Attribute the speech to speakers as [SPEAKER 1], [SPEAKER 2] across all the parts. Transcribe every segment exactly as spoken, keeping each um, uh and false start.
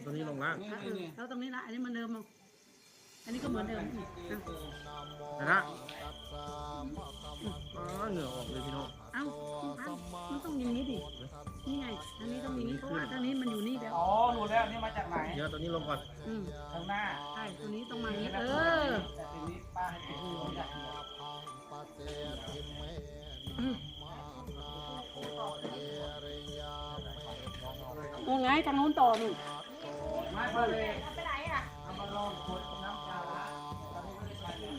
[SPEAKER 1] ตัวนี้ลงล่าง
[SPEAKER 2] แล้วตรงนี้ละอันนี้มันเดิมมั้งอันนี้ก็เหมือนเดิม
[SPEAKER 1] นะฮะอ๋อเหงื่อออกเลยพี่น้อง
[SPEAKER 2] เอ้ามันต้องอย่างนี้ดินี่ไงอันนี้ต้องอย่างนี้เพราะว่าตอนนี้มันอยู่นี่แล้ว
[SPEAKER 3] อ๋อรู้แล้วนี่มาจากไหน
[SPEAKER 1] เดี๋ยวตัวนี้ลงก่อน
[SPEAKER 2] อืม
[SPEAKER 3] ข้างหน้า
[SPEAKER 2] ใช่ตัวนี้ต้องมาอย่างนี้เออ
[SPEAKER 3] แต่ทีนี้ป้าให้ติดตัวจากเดียว
[SPEAKER 2] นู่นไงทางนู้นต่อนู่น
[SPEAKER 3] มาเลยไปไหนอ่ะเอามาลองขวดน้ำปลาตอนนี้ไม่ได้ใช้เลย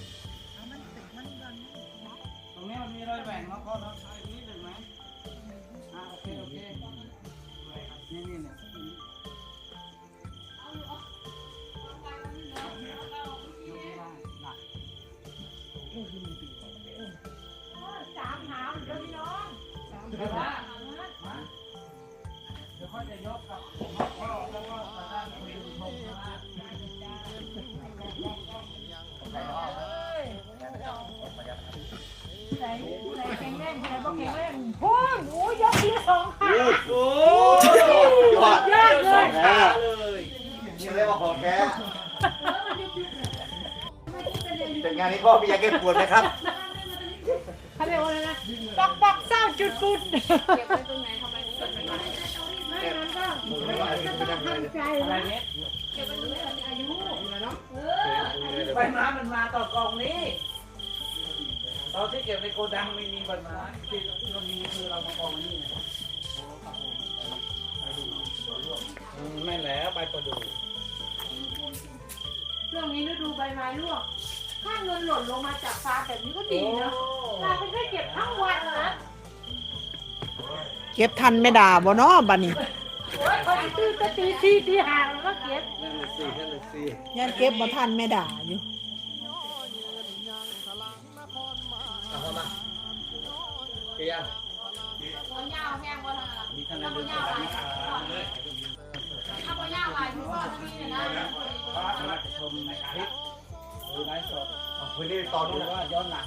[SPEAKER 3] ตรงนี้มันมีรอยแหว่งเนาะพ่อเนาะนิดหนึ่งไหมอ่าโอเคโอเคนี่นี่เนี่ย
[SPEAKER 2] สามหาวเดี๋ยวพี่น้องสามหาว
[SPEAKER 3] เดี๋ยวค่อยจะยกกับพ่อแล้วก็ประธานคุยชมนะ
[SPEAKER 2] ใส่ใส่แข็งแรงใส่บ่แข็งแรงโอ้ยโอ้ยยกทีละสองขา
[SPEAKER 4] โอ้ยอดยอดเลยนี่เรียกว่าของแท้เป็นงานนี้พ่อมียาแก้ปวดไหมครับ
[SPEAKER 2] เขาเรียกว่าอะไรนะบอกบอกเศร้าจุดปุดเก็บไว้ตรงไหนทำไมถึงเก็บไว้ไม่นั้นก็จะต้องทำใจนะเก็บไว้ตรงไหนอายุเนาะ
[SPEAKER 3] ใบไม้มันมาต่อกองนี้ตอนที่เก็บในโกดังไม่มีใบไม้ที่เรามีคือเรามากองนี่ไม่แล้วใบประดู่
[SPEAKER 2] ช่วงนี้ฤดูใบไม้ร่วงถ้าเงินหล่นลงมาจากฟ้าแบบนี้ก็ดีนะเราไม่ได้เก็บทั้งวันนะ
[SPEAKER 5] เก็บทันไม่ด่าบ่เนาะบัดนี้
[SPEAKER 2] โอ้ยพอตีก็ตีทีตีห่างแล้วก็เก็บ
[SPEAKER 3] นั่นเลยสี่นั่นเลยสี่
[SPEAKER 5] ยันเก็บบ่ทันไม่ด่าอยู่
[SPEAKER 4] เอาเข้ามาเกียร์
[SPEAKER 2] เอาเงาแห้งวะล่ะ
[SPEAKER 3] มีขนาดเล็กๆนี่ครับ
[SPEAKER 2] เอาเงาลายที่ว่าที่นี่นะ
[SPEAKER 3] พระมาชมในคลิปหรือไลฟ์สด
[SPEAKER 4] พื้นที่ตอน
[SPEAKER 3] ห
[SPEAKER 4] นู้
[SPEAKER 3] รื
[SPEAKER 4] น
[SPEAKER 3] อว่าย้อนหลัง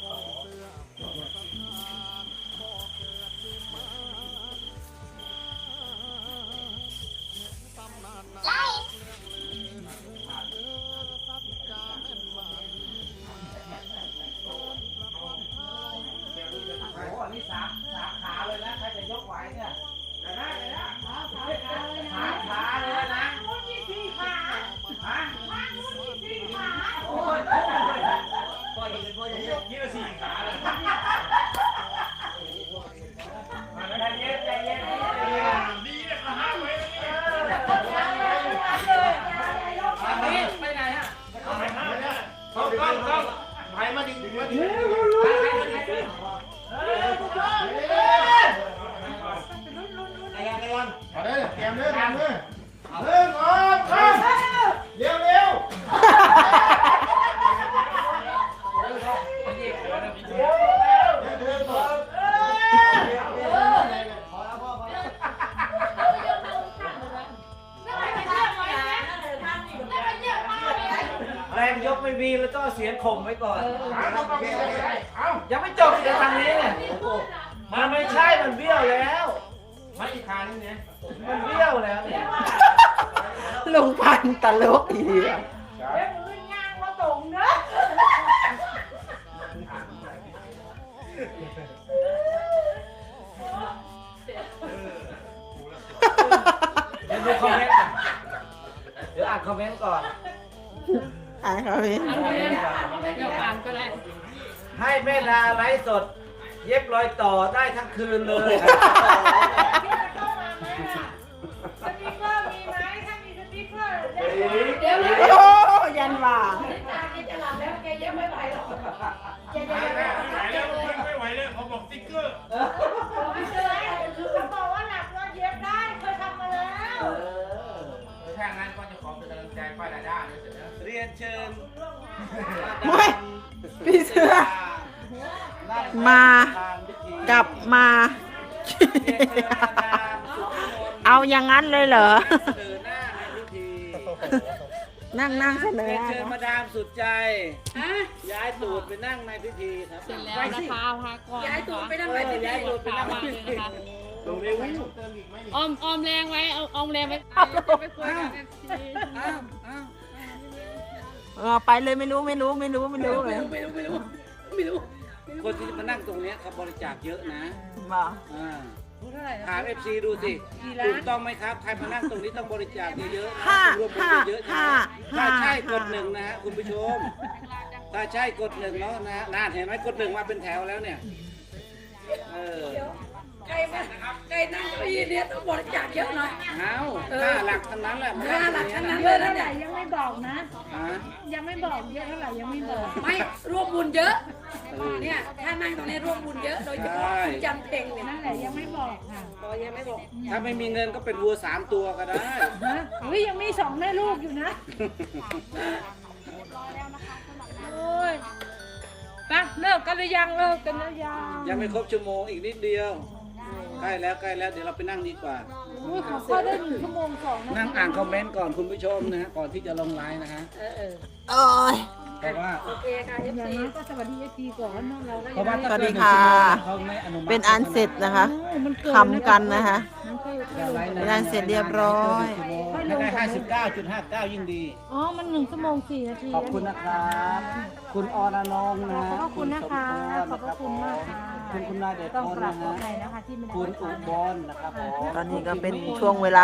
[SPEAKER 3] โอ้โหอันนี้สามสามขาเลยนะใครจะยกไหวเนี่ยได้ได้เลยนะสามขาเลยนะมุดยี่สี่ขาฮะมุดยี่สี่ขาโอ้ยพ่อเห็นพ่อจะยกยี่สี่ขาเลยใจเย็นใจเย็นดีเลยขาห้าไว้เลยไปไหนฮะไปไหนเนี่ยต้องต้องต้องไปมาดิมาดิ
[SPEAKER 4] เอาได้เตรียมเลยเตรียมเลยเริ่มออกเร็วเร็ว
[SPEAKER 3] แรงยกไม่มีแล้วก็เสียงข่มไว้ก่อนยังไม่จบจะทางนี้เนี่ยมันไม่ใช่มันเบี้ยวแล้วไม่อีกครั้งนี้มันเบี้ยวแล้วเนี่ย
[SPEAKER 5] ลุงพันตลกอีเดียว
[SPEAKER 2] เดี๋ยวมือย่างมาตรงเนอะ
[SPEAKER 3] เดี๋ยวดูคอมเมนต์เดี๋ยวอ่านคอมเมนต์ก่อน
[SPEAKER 5] อ่านเขาเห็น
[SPEAKER 2] เดี๋ยวอ่านก็ได้
[SPEAKER 3] ให้แม่ดาไลฟ์สดเย็บรอยต่อได้ทั้งคืนเลย
[SPEAKER 2] สติ๊กเกอร์มีไหมถ้ามีสติ๊กเกอร์เดี๋ยวเดี๋ยว
[SPEAKER 5] โอ้ยันว่า
[SPEAKER 2] ตาแกจะหลับแล้วแกเย็บไม่ไหวหรอกแกจะเย็บไม่ไหวแล้ว
[SPEAKER 1] ไม่ไหวเลยเขาบอกติ๊กเกอร์
[SPEAKER 2] ไม่เจอคือเขาบอกว่าหลับแล้วเย็บได้เคยทำมาแล้ว
[SPEAKER 1] ถ้างั้นก็จะขอเป็นกำลังใจป้าดาด้าด้วยเสร็จแล้ว
[SPEAKER 3] เรียนเชิญ
[SPEAKER 5] ไม่พี่เสือมากลับมาเอาอย่างนั้นเลยเหรอ
[SPEAKER 3] เสนอหน้าในพิธี
[SPEAKER 5] นั่งนั่งเสนอ
[SPEAKER 3] เรียนเชิญมาดามสุดใจย้ายตูดไปนั่งในพิธีครับ
[SPEAKER 6] เสร็จแล้วนะคะพาก่อน
[SPEAKER 2] ย้ายตัวไปทำไมที่
[SPEAKER 3] ย้ายตูดไปนั่งในพิธี
[SPEAKER 6] พ
[SPEAKER 3] ลงเร็ว
[SPEAKER 2] ออมออมแรงไว้เอาออมแรงไว้ไปคุยกับเอฟซี
[SPEAKER 3] อ้าวอ้าว
[SPEAKER 5] เออไปเลยไม่รู้ไม่รู้ไม่รู้ไม่รู้เลย
[SPEAKER 3] ไม่รู้ไม่รู้ไม่รู้คนที่มานั่งตรงเนี้ยเขาบริจาคเยอะนะ
[SPEAKER 5] บอก
[SPEAKER 3] อ่า
[SPEAKER 2] เท่าไหร่
[SPEAKER 3] ถามเอฟซีดูสิถูกต้องไหมครับใครมานั่งตรงนี้ต้องบริจาคเยอะๆนะ
[SPEAKER 5] ห้า
[SPEAKER 3] ร่วมบุญ
[SPEAKER 5] ห้า
[SPEAKER 3] เยอะๆ
[SPEAKER 5] ห้า
[SPEAKER 3] นะถ้า
[SPEAKER 5] ห้า
[SPEAKER 3] ใช่กดหนึ่งนะฮะคุณผู้ชม ถ้าใช่กดหนึ่งแล้วนะน่าเห็นไหมกดหนึ่งมาเป็นแถวแล้วเนี่ยเออ
[SPEAKER 2] ใครมาใครนั่งเก้าอี้เนี่ยต้องบริจาคเยอะหน่อย
[SPEAKER 3] เอาห้าหลักทั้งนั้นแหละ
[SPEAKER 2] ห้าหลักทั้งนั้น
[SPEAKER 6] เยอะเท่าไหร่ยังไม่บอกนะ
[SPEAKER 3] อ่า
[SPEAKER 6] ยังไม่บอกเยอะเท่าไหร่ยังไม่บอก
[SPEAKER 2] ไม่ร่วมบุญเยอะ
[SPEAKER 3] เออ
[SPEAKER 2] เนี่ยถ้านั่งตรงนี้ร่วมบุญเยอะโดยเฉพาะคุณจันเพ็งเนี่ย
[SPEAKER 6] นั่นแหละยังไม่บอกค่ะ
[SPEAKER 2] ตอยังไม่บอก
[SPEAKER 3] ถ้าไม่มีเงินก็เป็นวัวสามตัวก็ได้
[SPEAKER 6] ฮะอุ้ยยังมีสองแม่ลูกอยู่นะโอ้ยไปเลิกกันหรือยังเลิกกันหรือยัง
[SPEAKER 3] ยังไม่ครบชั่วโมงอีกนิดเดียวใกล้แล้วใกล้แล้วเดี๋ยวเราไปนั่งดีกว่า
[SPEAKER 6] อุ้ยเขาเข้าได้หนึ่งชั่วโมงสองนา
[SPEAKER 3] นั่ง
[SPEAKER 6] ที
[SPEAKER 3] อ่านคอมเมนต์ก่อนคุณผู้ชมนะฮะก่อนที่จะลงไลน์นะฮะ
[SPEAKER 2] เออเออ
[SPEAKER 5] โอ้ย
[SPEAKER 3] เพราะว่า
[SPEAKER 2] โอเคค่ะเอฟ
[SPEAKER 6] อย่าง
[SPEAKER 2] ซี
[SPEAKER 6] นั้นก็สวัสดีเอฟซีก่อนเนอะเราก็
[SPEAKER 3] เพราะว่า
[SPEAKER 5] สวัสดีค่ะ
[SPEAKER 3] เขาไม่อนุมัติ
[SPEAKER 5] เป็นอันเสร็จนะคะ
[SPEAKER 6] มันเกิน
[SPEAKER 5] ทำกันนะคะ
[SPEAKER 6] มันเกิน
[SPEAKER 3] อย่าไว้
[SPEAKER 5] เป็นอันเสร็จเรียบร้อย
[SPEAKER 3] ถ้าได้ห้าสิบเก้าจุดห้าเก้ายิ่งดี
[SPEAKER 6] อ๋อมันหนึ่งชั่วโมงสี่นาที
[SPEAKER 3] ขอบคุณนะครับ คุณอรนงค์นะ
[SPEAKER 6] ขอบพระคุณนะคะขอบพระคุณมากค่ะ
[SPEAKER 3] คุณคุณนายเดช
[SPEAKER 6] ต้อง
[SPEAKER 3] พล
[SPEAKER 6] กราบ
[SPEAKER 3] นะ
[SPEAKER 6] ขอ
[SPEAKER 3] ฮะ
[SPEAKER 6] อภัยนะคะที่ไม่ได้
[SPEAKER 3] คุณอุบลนะครับผม
[SPEAKER 5] ตอนนี้ก็เป็นช่วงเวลา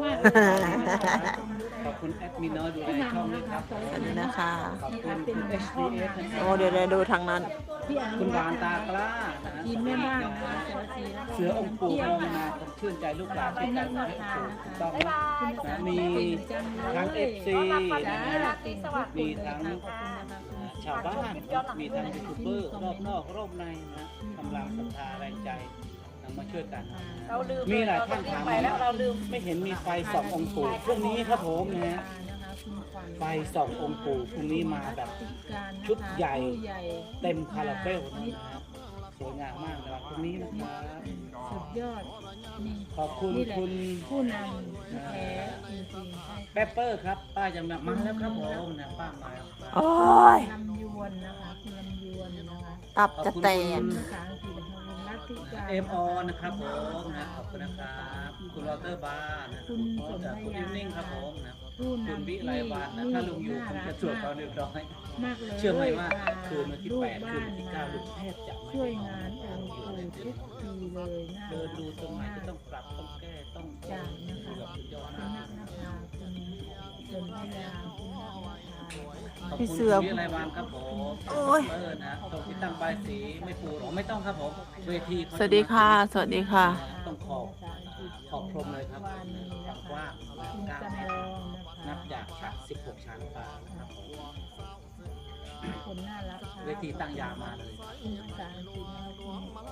[SPEAKER 3] ขอบคุณแอดมินน้อยดูแลช่องด้วยครับ
[SPEAKER 5] สวัสดีนะคะ
[SPEAKER 3] ขอบคุณคุณ เอช ดี เอส นะค
[SPEAKER 5] โอ้
[SPEAKER 3] รับ
[SPEAKER 5] เดี๋ยวเดี๋ยวดูทางนั้น
[SPEAKER 6] ที่อนุ
[SPEAKER 3] คุณ
[SPEAKER 6] วั
[SPEAKER 3] บาน
[SPEAKER 6] ฒน์
[SPEAKER 3] ตากล้านะฮะ
[SPEAKER 6] ทีมแม่บ้านนะคะสวัสดีแล้วก็
[SPEAKER 3] เสือองค์ปู่มองนาผมชื่นใจลูกหลานที่ใจให้ปู่ถูกต้องนะนะมีทั้งเอฟซีนะฮะมีทั้งชาวบ้านมีทั้งยูทูบเบอร์รอบนอกรอบในนะกำลังศรัทธาแรงใจนำมาช่วยกันนะ
[SPEAKER 2] เราลืม
[SPEAKER 3] มีหลายท่านถาม
[SPEAKER 2] ไปแล้วเราลืม
[SPEAKER 3] ไม่เห็นมีไฟส่ององค์ปู่พรุ่งนี้ครับผมนะฮะไฟส่ององค์ปู่พรุ่งนี้มาแบบชุดใหญ่เต็มคาราเบลนะฮะสวยงามมากนะครับพรุ่งนี้นะครับ
[SPEAKER 6] สุดยอดนี่
[SPEAKER 3] ขอบคุณ
[SPEAKER 6] นี่แหละ
[SPEAKER 3] คุณ
[SPEAKER 6] ผู้นำที่แท้จริงๆใช่
[SPEAKER 3] เปปเปอร์ครับป้าจะมามาแล้วครับผมนะป้ามาแล้ว
[SPEAKER 5] โอ้ย
[SPEAKER 6] ลำยวนนะคะคุณลำยวนนะคะ
[SPEAKER 5] ตับจะแตก
[SPEAKER 6] ภาษาอังกฤษนะคะคุณรัตติการ
[SPEAKER 3] เอ็มออนะครับผมนะขอบคุณนะครับคุณลอเตอร์บาร์นะ
[SPEAKER 6] คุณสม
[SPEAKER 3] จาก
[SPEAKER 6] พ
[SPEAKER 3] คุณ
[SPEAKER 6] ยา
[SPEAKER 3] อิมนิ่งครับผมนะ
[SPEAKER 6] ผู้
[SPEAKER 3] คุณ
[SPEAKER 6] นำ
[SPEAKER 3] วิ
[SPEAKER 6] ที่
[SPEAKER 3] ไลวันนะถ้าลุงอยู่ผมจะสวดตอนเรียบร้อย
[SPEAKER 6] มากเลย
[SPEAKER 3] เชื่อไหมว่าคืนวันที่
[SPEAKER 6] ลูก
[SPEAKER 3] แปด
[SPEAKER 6] บ้า
[SPEAKER 3] คืนวันที่เก้าลุงแทบจะไม่
[SPEAKER 6] ช่วย
[SPEAKER 3] ได้นอง
[SPEAKER 6] าน
[SPEAKER 3] น
[SPEAKER 6] องค์ปู่ทุกปีเลยน่า
[SPEAKER 3] เดินดู
[SPEAKER 6] รัก
[SPEAKER 3] ตรงไหน
[SPEAKER 6] มาก
[SPEAKER 3] ก็ต้องปรับต้องแก้ต้อง
[SPEAKER 6] จากนะคะ
[SPEAKER 3] แบบสุดยอด
[SPEAKER 6] คุณ
[SPEAKER 3] มาก
[SPEAKER 6] นักนภาคุณสนธยาคุณนักนภา
[SPEAKER 3] ขอบ
[SPEAKER 5] พี่
[SPEAKER 3] คุณ
[SPEAKER 5] เสือ
[SPEAKER 3] คุณวิไลวันครับผม
[SPEAKER 5] โอ้ย
[SPEAKER 3] เออนะตรงที่ตั้งใบายสีไม่ปูหรอไม่ต้องครับผมเวทีเขา
[SPEAKER 5] สวัสดีค่ะ สวัสดีค่ะ
[SPEAKER 3] ต้องขอบขอบพรมเลยครับความกว้าง
[SPEAKER 6] คุณ
[SPEAKER 3] เก้า
[SPEAKER 6] จำ
[SPEAKER 3] เม
[SPEAKER 6] ล
[SPEAKER 3] ตร
[SPEAKER 6] องนะคะ
[SPEAKER 3] นับจากชั้นสิบหกชั้นฟ้านะครับผม
[SPEAKER 6] คนน่ารักค่ะ
[SPEAKER 3] เวทีตั้งยาวมาเลย
[SPEAKER 6] คุณภาษาอังกฤษนะคะคุณ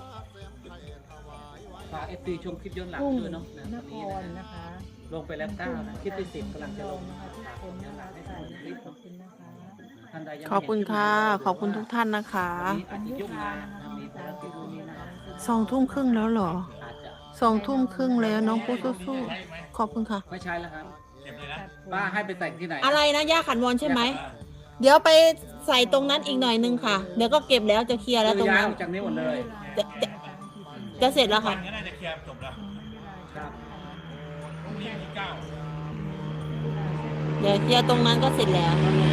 [SPEAKER 3] ฝากเอฟซีชมคลิปย้อนหลัง
[SPEAKER 6] กุ้ง
[SPEAKER 3] ด้วยเนาะนะ
[SPEAKER 6] น
[SPEAKER 3] ตอน
[SPEAKER 6] ค
[SPEAKER 3] นี้
[SPEAKER 6] ร
[SPEAKER 3] นะ
[SPEAKER 6] นะคะ
[SPEAKER 3] ลงไปแล้วเก้านะคลิปที่สิบกำลังจะลง
[SPEAKER 6] นะ
[SPEAKER 3] นะคะ
[SPEAKER 6] คะทุก
[SPEAKER 3] ฝาก
[SPEAKER 6] คน
[SPEAKER 3] ย้อนห
[SPEAKER 6] นะ
[SPEAKER 3] ลัง
[SPEAKER 6] คะ
[SPEAKER 3] ให้
[SPEAKER 6] ใส่
[SPEAKER 3] ท่านได้ชมคลิป
[SPEAKER 6] ขอบคุณนะคะ
[SPEAKER 3] ท่านใดยัง
[SPEAKER 5] ขอบคุณค่ะ
[SPEAKER 3] ไม่เห็น
[SPEAKER 5] ขอบคุณทุกท่านนะคะ
[SPEAKER 3] วันนี้อาจจะยุ่งงานนะมีภารกิจนู่นนี่นั่น
[SPEAKER 5] สองทุ่มครึ่งแล้วเหรอ
[SPEAKER 3] อาจจะ
[SPEAKER 5] สองทุ่มครึ่งแล้วน้องปูสู้ๆขอบคุณค่ะ
[SPEAKER 3] ไม่ใช่แล้วครับป้าให้ไปแต่งที่ไหน
[SPEAKER 5] อะไรนะย่าขันวอนใช่ไหม เดี๋ยวไปใส่ตรงนั้นอีกหน่อยนึงค่ะ เดี๋ยวก็เก็บแล้วจะเคลียร์แล้วตรง
[SPEAKER 3] ย้าย
[SPEAKER 5] นั้น
[SPEAKER 3] ออกจากนี้หมดเลย
[SPEAKER 5] จะจะจะเสร็จแล้วค่ะ
[SPEAKER 7] ก็น่าจะเคลียร์จบแล้ว
[SPEAKER 3] ครับ
[SPEAKER 7] พรุ่งนี้วันที่เก้า
[SPEAKER 5] เดี๋ยวเคลียร์ตรงนั้นก็เสร็จแล้ว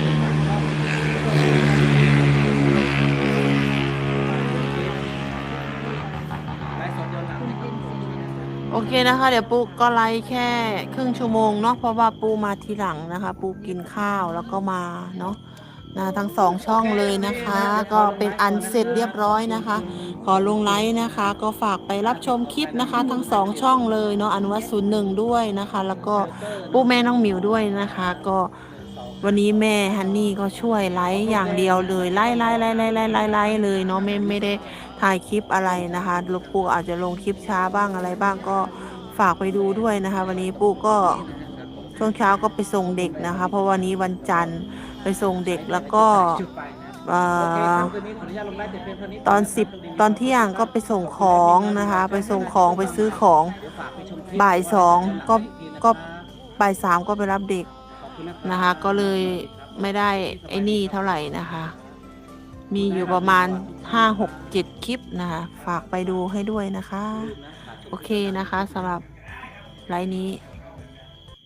[SPEAKER 3] ไลฟ์สดย้อนหลังนะครับ
[SPEAKER 5] โอเคนะคะ เดี๋ยวปูก็ไลฟ์แค่ครึ่งชั่วโมงเนาะเพราะว่าปูมาทีหลังนะคะ ปูกินข้าวแล้วก็มาเนาะนะทั้งสองช่องเลยนะคะ ก็เป็นอันเสร็จเรียบร้อยนะคะ ขอลงไลฟ์นะคะ ก็ฝากไปรับชมคลิปนะคะ ทั้งสองช่องเลยเนาะอนุวัตศูนย์หนึ่งด้วยนะคะ แล้วก็ปูแม่น้องหมิวด้วยนะคะ ก็วันนี้แม่ฮันนี่ก็ช่วยไลฟ์อย่างเดียวเลยไล่ไล่ไล่ไล่ไล่ไล่ไล่เลยเนาะไม่ไม่ได้ถ่ายคลิปอะไรนะคะลูกปูอาจจะลงคลิปช้าบ้างอะไรบ้างก็ฝากไปดูด้วยนะคะ วันนี้ปูก็ช่วงเช้าก็ไปส่งเด็กนะคะ เพราะวันนี้วันจันทร์ไปส่งเด็กแล้วก็
[SPEAKER 3] จุดไปนะ
[SPEAKER 5] เอ่
[SPEAKER 3] โอเค
[SPEAKER 5] อ
[SPEAKER 3] ครับคืนนี้ขออนุญาตลงไลฟ์แต่เพียงเท่านี้
[SPEAKER 5] ตอนสิบตอนเที่ยงก็ไปส่งของนะคะ ไปส่งของไปซื้อของ
[SPEAKER 3] เดี๋ยวฝากไปชมคลิป
[SPEAKER 5] บ่ายสองก็
[SPEAKER 3] อีทีนะครับ
[SPEAKER 5] ก็บ่ายสามก็ไปรับเด็ก
[SPEAKER 3] ขอบคุณรับ
[SPEAKER 5] นะคะ ก็เลยไม่ได้ไอ้นี่เท่าไหร่นะคะ มีอยู่ประมาณห้าหกเจ็ดคลิปนะคะ ฝากไปดูให้ด้วยนะคะ
[SPEAKER 3] ลืมนะฝากชม
[SPEAKER 5] โอเคนะคะสำหรับไลน์นี้